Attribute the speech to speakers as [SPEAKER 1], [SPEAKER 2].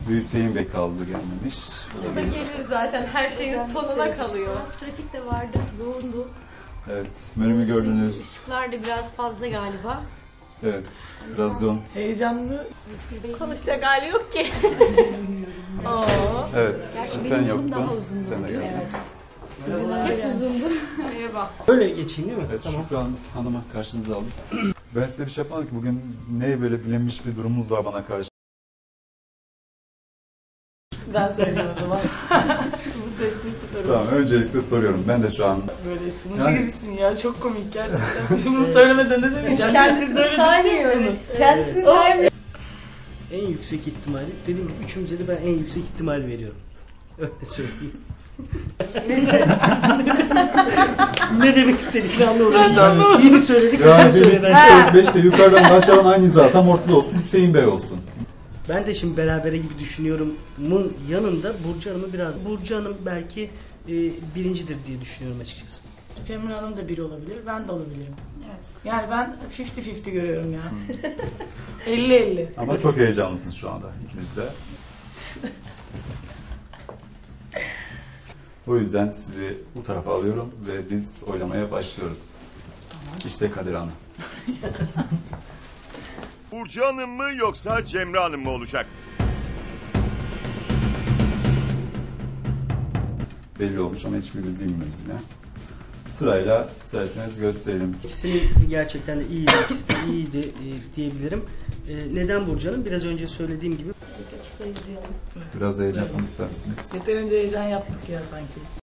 [SPEAKER 1] Hüseyin Bey kaldı gelmemiş.
[SPEAKER 2] O da gelir zaten, her şeyin sonuna kalıyor.
[SPEAKER 3] Biraz trafik de vardı, yoğundu.
[SPEAKER 1] Evet, menümü gördünüz.
[SPEAKER 3] Işıklar da biraz fazla galiba.
[SPEAKER 1] Evet, biraz yoğun.
[SPEAKER 4] Heyecanlı.
[SPEAKER 2] Konuşacak hali yok ki. Oo.
[SPEAKER 1] Evet,
[SPEAKER 3] Gerçi
[SPEAKER 1] sen
[SPEAKER 3] benim yolum
[SPEAKER 1] yoktun.
[SPEAKER 3] daha uzundu
[SPEAKER 1] Sen de
[SPEAKER 3] bugün.
[SPEAKER 1] geldin.
[SPEAKER 3] Hep uzundu.
[SPEAKER 2] Merhaba.
[SPEAKER 5] Öyle geçeyim değil mi?
[SPEAKER 1] Evet,
[SPEAKER 5] Tamam.
[SPEAKER 1] Şükran Hanım'a karşınıza aldım. Ben size bir şey yapmadım ki, bugün ne böyle bilinmiş bir durumumuz var bana karşı.
[SPEAKER 4] Ben söyleyeyim o zaman. Bu sesli süper
[SPEAKER 1] Tamam, öncelikle soruyorum. Ben de şu an
[SPEAKER 4] Böyle sunucu
[SPEAKER 1] Yani-
[SPEAKER 4] gibisin ya. Çok komik gerçekten. Bunu söylemeden ne demeyeceğim. Siz de öyle düşünüyor musunuz?
[SPEAKER 2] Kendisini saymıyor.
[SPEAKER 5] En yüksek ihtimali, dediğim gibi üçümüze de ben en yüksek ihtimali veriyorum. Öyle söyleyeyim. Ne demek istediklerini anlamadım. İyi mi söyledik, kötü
[SPEAKER 1] yani
[SPEAKER 5] mü söyledik?
[SPEAKER 1] 5'te yukarıdan aşağıdan aynı hizada tam ortada olsun, Hüseyin Bey olsun.
[SPEAKER 5] Ben de şimdi berabere gibi düşünüyorumun yanında Burcu Hanım'ı biraz... Burcu Hanım belki birincidir diye düşünüyorum açıkçası.
[SPEAKER 4] Cemre Hanım da biri olabilir. Ben de olabilirim. Evet. Yani ben 50-50 görüyorum ya. 50-50.
[SPEAKER 1] Ama çok heyecanlısınız şu anda ikiniz de. O yüzden sizi bu tarafa alıyorum ve biz oylamaya başlıyoruz. İşte Kadir Hanım.
[SPEAKER 6] Burcu Hanım mı yoksa Cemre Hanım mı olacak?
[SPEAKER 1] Belli olmuş ama hiçbirimiz bilmiyoruz yine. Sırayla isterseniz gösterelim.
[SPEAKER 5] İkisi gerçekten de iyiydi, ikisi de iyiydi diyebilirim. Neden Burcu Hanım? Biraz önce söylediğim gibi
[SPEAKER 3] Açıklayıcı diyorum.
[SPEAKER 1] Biraz heyecan yapmamı ister misiniz?
[SPEAKER 4] Yeterince heyecan yaptık ya sanki.